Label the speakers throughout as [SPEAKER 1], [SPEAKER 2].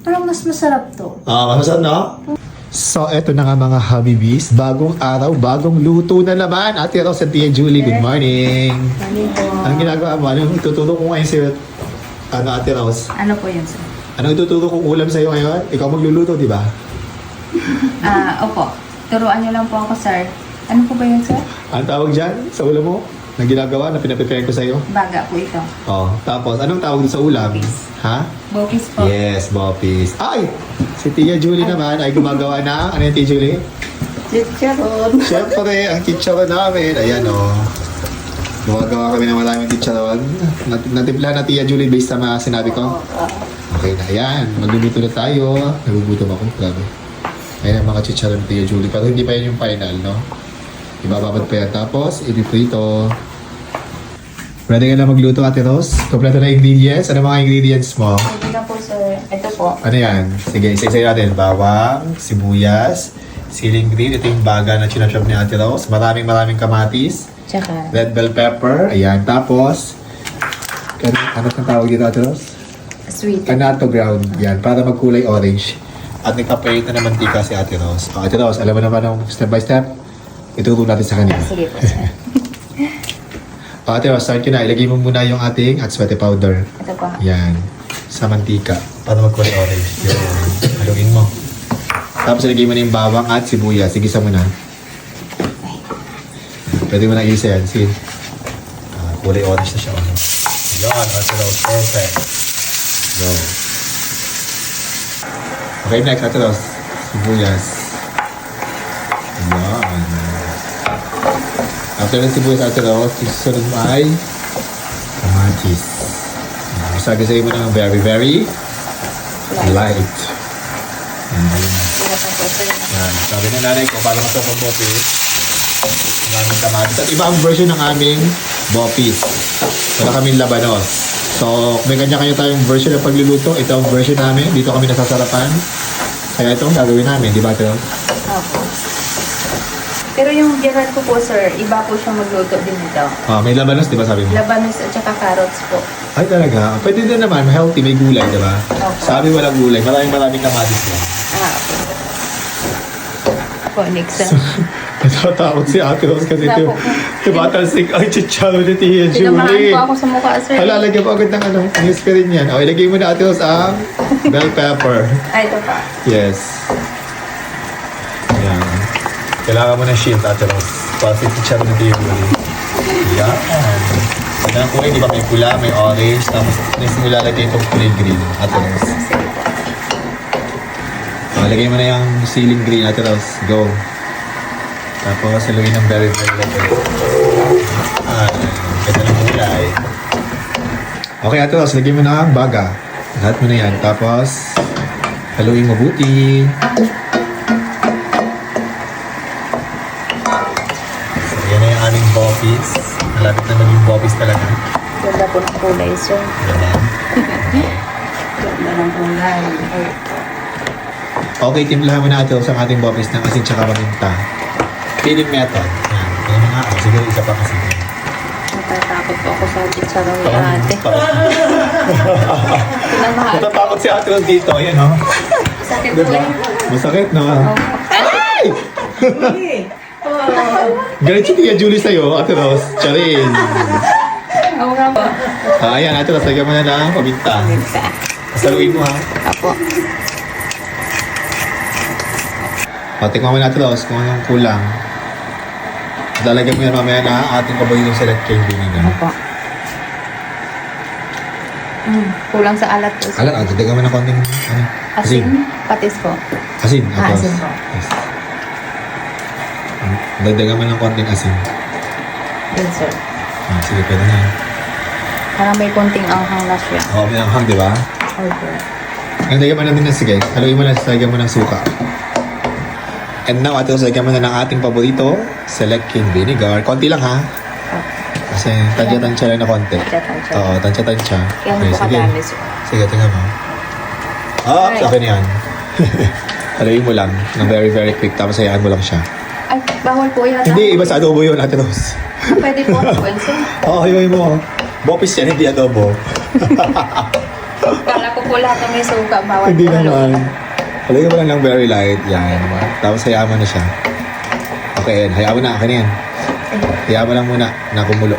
[SPEAKER 1] Parang mas masarap to.
[SPEAKER 2] Masarap no? So, eto na nga mga Habibis. Bagong araw, bagong luto na naman. Ate Rose at Tia Julie, good morning.
[SPEAKER 1] Morning po.
[SPEAKER 2] Anong ginagawa mo? Anong ituturo ko ngayon sa'yo? Ate Rose?
[SPEAKER 1] Ano po yun, sir?
[SPEAKER 2] Anong ituturo kong ulam sa'yo ngayon? Ikaw magluluto, di ba?
[SPEAKER 1] Opo. Turuan niyo lang po ako, sir. Ano po ba yun, sir?
[SPEAKER 2] Anong tawag dyan sa ulam mo? Na ginagawa, na pinaprepare ko sa'yo?
[SPEAKER 1] Baga po ito.
[SPEAKER 2] Oh, tapos, anong tawag doon sa ulam?
[SPEAKER 1] Bopis.
[SPEAKER 2] Ha?
[SPEAKER 1] Bopis po.
[SPEAKER 2] Yes, Bopis. Ay! Si Tia Julie naman ay gumagawa na. Ano yung Tia Julie?
[SPEAKER 1] Chicharon.
[SPEAKER 2] Siyempre, ang chicharon namin. Ayan o. Gumagawa kami ng maraming chicharon. Natimpla na Tia Julie based sa mga sinabi ko. Okay na, ayan. Magluluto na tayo. Nagugutom ako. Grabe. Ayan ang mga chicharon Tia Julie. Pero hindi pa yan yung final, no? Ibababad pa yan. Tapos, ipiprito. Ready ka na magluto, Ate Rose? Kompleto na ingredients. Ano mga ingredients mo?
[SPEAKER 1] Pwede na po, sir. Ito po.
[SPEAKER 2] Ano yan? Sige, isa-isa natin. Bawang, sibuyas, siling green. Ito yung baga na chinachop ni Ate Rose. Maraming kamatis.
[SPEAKER 1] Tsaka,
[SPEAKER 2] Red bell pepper. Ayan. Tapos, ano ang tawag dito, Ate Rose?
[SPEAKER 1] sweet.
[SPEAKER 2] Annatto ground. Yan. Para magkulay orange. At nagpapalit na ng mantika si Ate Rose. Ate Rose, alam mo naman ang step by step? Ituturo natin sa kanila.
[SPEAKER 1] Sige po, sir.
[SPEAKER 2] Ate Rose, start ko na. Ilagay mo muna yung ating atswete powder.
[SPEAKER 1] Ito po.
[SPEAKER 2] Yan. Sa mantika. Para magkulay orange. Yan. Haluin mo. Tapos ilagay mo na yung bawang at sibuyas. Igisa mo na. Pwede mo na igisa yan. Sige. Kulay orange na siya. Yan. Ate Rose. Perfect. Go. Okay, next. Ate Rose. Sibuyas. Yan. After ng sibuyas, Ate Rose, susunod mo ay kamatis. Sagasay mo ng very light. Yan. Sabi ng nanay ko, para masarap ang bopis, maraming kamatis. At iba ang version ng aming bopis. Wala kaming labanos. So, may kanya-kanya tayong version ng pagluluto. Ito ang version namin. Dito kami nasasarapan. Kaya ito ang gagawin namin. Di ba, Ate Rose?
[SPEAKER 1] Opo. Pero yung Gerard ko po, sir, iba po siyang magluto din ito.
[SPEAKER 2] May labanos, di ba sabi mo?
[SPEAKER 1] Labanos at saka carrots po.
[SPEAKER 2] Ay, talaga. Pwede din naman. Healthy. May gulay, di ba?
[SPEAKER 1] Opo.
[SPEAKER 2] Sabi walang gulay. Maraming kamatis lang.
[SPEAKER 1] Okay. Po, next, sir.
[SPEAKER 2] Natatakot si Ate Rose kasi ito. Tumatalsik ang chicharo ni Tia
[SPEAKER 1] Tinamaan
[SPEAKER 2] Julie.
[SPEAKER 1] po ako sa mukha, sir.
[SPEAKER 2] Lalagyan mo agad ng ano. News ka rin yan. O, ilagay mo na Ate Rose ang bell pepper.
[SPEAKER 1] Ay, ito pa.
[SPEAKER 2] Yes. Yan. Kailangan mo ng shield, Ate Rose. Para si chicharo ni Tia Julie. Yan. Yan ang kulay, di ba? May pula, may orange. Tapos, next mo lalagay itong kulay green, Ate Rose.
[SPEAKER 1] Sige po.
[SPEAKER 2] Lagay mo na yung ceiling green, Ate Rose. Go. Tapos, haluin ng very light. Ganda ng kulay. Okay, Ate Rose, lagay mo na ang baga. Lahat mo na yan. Tapos, haluin mabuti. So, yan na yung aming bopis. Malapit na maging bopis talaga.
[SPEAKER 1] Ganda po ng kulay, sir.
[SPEAKER 2] Diba?
[SPEAKER 1] Ganda ng kulay.
[SPEAKER 2] Okay, timplahan mo na Ate Rose ang ating bopis ng asin tsaka paminta. Feeling method. Yan. Yan na nga. Siguro isa pa kasi.
[SPEAKER 1] Natatakot po ako sa chicharong ni ate. Pinamahal.
[SPEAKER 2] Natatakot si Ate Rose dito. Ayan, oh.
[SPEAKER 1] Sakit po
[SPEAKER 2] Diba?
[SPEAKER 1] yun.
[SPEAKER 2] Masakit, no?
[SPEAKER 1] Ay!
[SPEAKER 2] Galit si Tia Julie sa'yo, Ate Rose. Charin.
[SPEAKER 1] Oo nga po.
[SPEAKER 2] Ayan, Ate Rose, lagyan mo na ng paminta. Saluin mo, ha?
[SPEAKER 1] Apo.
[SPEAKER 2] Tingnan mo na, Ate Rose, kung anong kulang. Lalagyan mo yan mamaya na ating paborito select cane vinegar.
[SPEAKER 1] Apo. Kulang sa alat po, sir.
[SPEAKER 2] Alam, dagdagan mo na konting ano,
[SPEAKER 1] Asin? Patis po.
[SPEAKER 2] Asin, Ate Rose.
[SPEAKER 1] Asin po.
[SPEAKER 2] Yes. Dagdagan mo ng konting asin.
[SPEAKER 1] Yun, sir.
[SPEAKER 2] Sige, pwede na.
[SPEAKER 1] Parang may konting anghang na siya.
[SPEAKER 2] Oo, may anghang, di ba?
[SPEAKER 1] Okay.
[SPEAKER 2] Ang lagyan mo na din ng sige. Haluin mo na, lagyan mo ng suka. And now, Ate Rose, lagyan mo na ng ating paborito, select cane vinegar. Konti lang, ha? Kasi tansya-tansya lang na konti.
[SPEAKER 1] Tansya-tansya.
[SPEAKER 2] Oo, tansya-tansya.
[SPEAKER 1] Kaya hindi po kadami, sir.
[SPEAKER 2] Sige, tingnan mo.
[SPEAKER 1] Alright.
[SPEAKER 2] Sa akin yan. Haluin mo lang ng very quick, tapos hayaan mo lang siya.
[SPEAKER 1] Ay, bawal po yata.
[SPEAKER 2] Hindi, iba sa adobo yun, Ate Rose.
[SPEAKER 1] Pwede po. Well, sir.
[SPEAKER 2] Oo, hayuin mo. Bopis yan, hindi adobo.
[SPEAKER 1] Kala ko ko po lahat ng may suka. Bawal
[SPEAKER 2] Hindi
[SPEAKER 1] po
[SPEAKER 2] naman. Halagyan mo lang ng very light. Yan. Tapos hayaan mo na siya. Okay, yan. Hayaan mo na. Akin na yan. Hayaan mo lang muna na kumulo.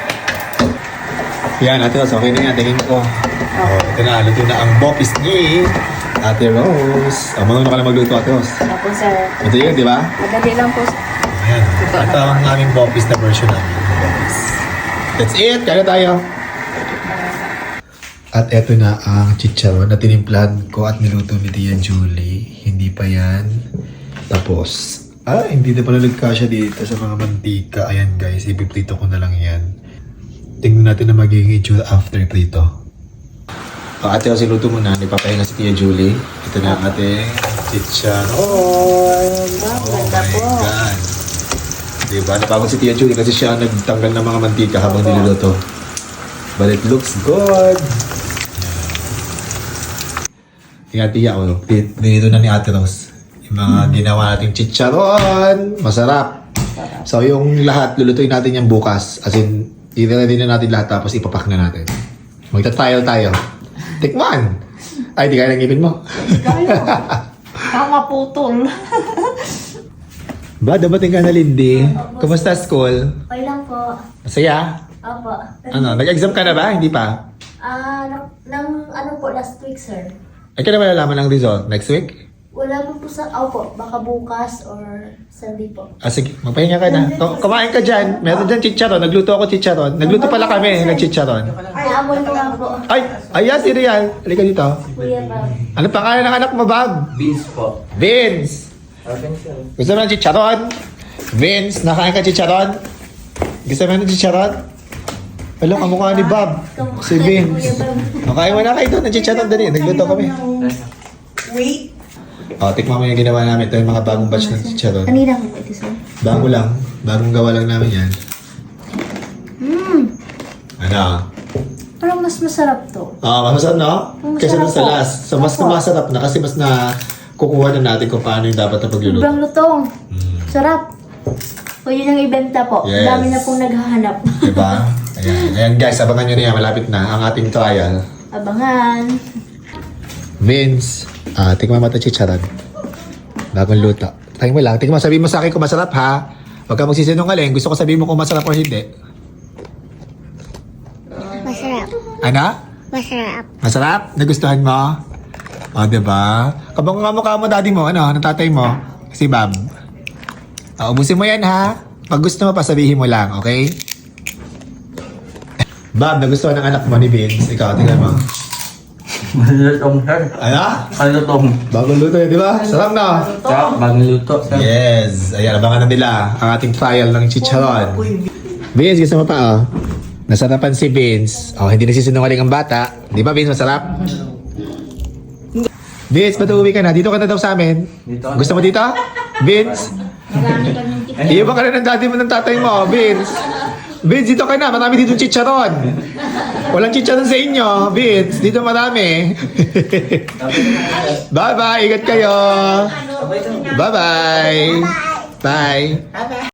[SPEAKER 2] Yan, Ate Rose. Okay na yan. Tingin ko. Oh, ito na. Luto na ang bopis ni Ate Rose. Marunong ka na magluto, Ate Rose.
[SPEAKER 1] Opo, sir.
[SPEAKER 2] Ito yun, di ba?
[SPEAKER 1] Madali lang po.
[SPEAKER 2] Ayan. Ito ang aming bopis na version namin. Bopis. That's it. Kaya na tayo. At eto na ang chicharon na tinimplahan ko at niluto ni Tia Julie. Hindi pa yan tapos. Hindi na pala nagkasya dito sa mga mantika. Ayan guys, ipiprito ko na lang yan. Tingnan natin na magiging itsura after prito. Ate, kasi luto muna. Ipapahinga si Tia Julie. Ito na ang ating chicharon. Oh my God. Diba? Napagod si Tia Julie kasi siya ang nagtanggal ng mga mantika habang niluluto. But it looks good. Tingnan Tia, dinito na ni Ate Rose. Yung mga ginawa nating chicharon. Masarap. So yung lahat, lulutuin natin yan bukas. As in, i-ready na natin lahat tapos ipapak na natin. Magta-trial tayo. Tikman! Ay, di kaya ng ngipin mo.
[SPEAKER 1] Tama putol.
[SPEAKER 2] Ba, dabating ka na, Lindy. Kumusta school?
[SPEAKER 3] Okay lang po.
[SPEAKER 2] Masaya?
[SPEAKER 3] Opo.
[SPEAKER 2] Ano, nag-exam ka na ba? Hindi pa?
[SPEAKER 3] Ano po, last week, sir.
[SPEAKER 2] Ay, ka na malalaman ang result next week?
[SPEAKER 3] Wala po sa, opo, baka bukas or Sunday po.
[SPEAKER 2] Sige, magpahinga ka na. Kumain ka dyan. Meron dyan chicharon. Nagluto ako chicharon. Nagluto pala kami ng chicharon.
[SPEAKER 3] Naamoy ko nga po.
[SPEAKER 2] Ay, ayan si Rial. Halika dito.
[SPEAKER 3] Kuya Bob.
[SPEAKER 2] Ano pangalan ng anak mo, Bob?
[SPEAKER 4] Beans po.
[SPEAKER 2] Vince. Gusto mo ng chicharon? Vince, nakain ka chicharon? Gusto mo ng chicharon? Alam, kamukha ni Bob. Si Vince. Makain mo na kayo doon ng chicharon. Dali, nagluto kami.
[SPEAKER 5] Wait.
[SPEAKER 2] Tikman mo yung ginawa namin. Ito yung mga bagong batch ng chicharon.
[SPEAKER 3] Kanina ko po ito, sir.
[SPEAKER 2] Bago lang. Bagong gawa lang namin yan. Ano?
[SPEAKER 3] Parang mas masarap to.
[SPEAKER 2] Masarap no?
[SPEAKER 3] Masarap
[SPEAKER 2] Kaysa dun sa
[SPEAKER 3] po.
[SPEAKER 2] last. So, mas
[SPEAKER 3] Opo.
[SPEAKER 2] masarap na kasi mas na kukuha na natin kung paano yung dapat na pagluluto.
[SPEAKER 3] Sobrang lutong. Sarap. Pwede nang ibenta po.
[SPEAKER 2] Yes.
[SPEAKER 3] Dami na pong naghahanap.
[SPEAKER 2] Diba? Ayan. Ayan guys, abangan nyo na yan. Malapit na ang ating trial.
[SPEAKER 3] Abangan.
[SPEAKER 2] Vince, tikman mo ito chicharon. Bagong luto. Try mo lang. Tikman mo, sabihin mo sa akin kung masarap ha. Huwag ka magsisinungaling. Gusto ko sabihin mo kung masarap o hindi.
[SPEAKER 3] Masarap.
[SPEAKER 2] Ano?
[SPEAKER 3] Masarap.
[SPEAKER 2] Masarap? Nagustuhan mo? O, diba? Kabang nga mukha mo, daddy mo, ano, ng tatay mo, si Bob. Ubusin mo yan, ha? Pag gusto mo, pasabihin mo lang, okay? Bob, nagustuhan ng anak mo ni Vince. Ikaw, tingnan mo.
[SPEAKER 4] Malutong, sir.
[SPEAKER 2] Ano?
[SPEAKER 4] Malutong.
[SPEAKER 2] Bagong luto yun, di ba? Sarap na.
[SPEAKER 4] Sarap, bagong luto, sir.
[SPEAKER 2] Yes. Ayan, abangan na nila ang ating trial ng chicharon. Vince, gusto mo pa, oh? Nasarapan si Vince. Hindi nagsisinungaling ang bata. Di ba, Vince, masarap? Vince, ba't uuwi ka na? Dito ka na daw sa amin.
[SPEAKER 4] Dito.
[SPEAKER 2] Gusto mo dito? Vince? Iiba ka na ng daddy mo ng tatay mo, Vince. Vince, dito ka na. Marami dito chicharon. Walang chicharon sa inyo, Vince. Dito marami. Bye-bye. Ingat kayo. Bye-bye. Bye.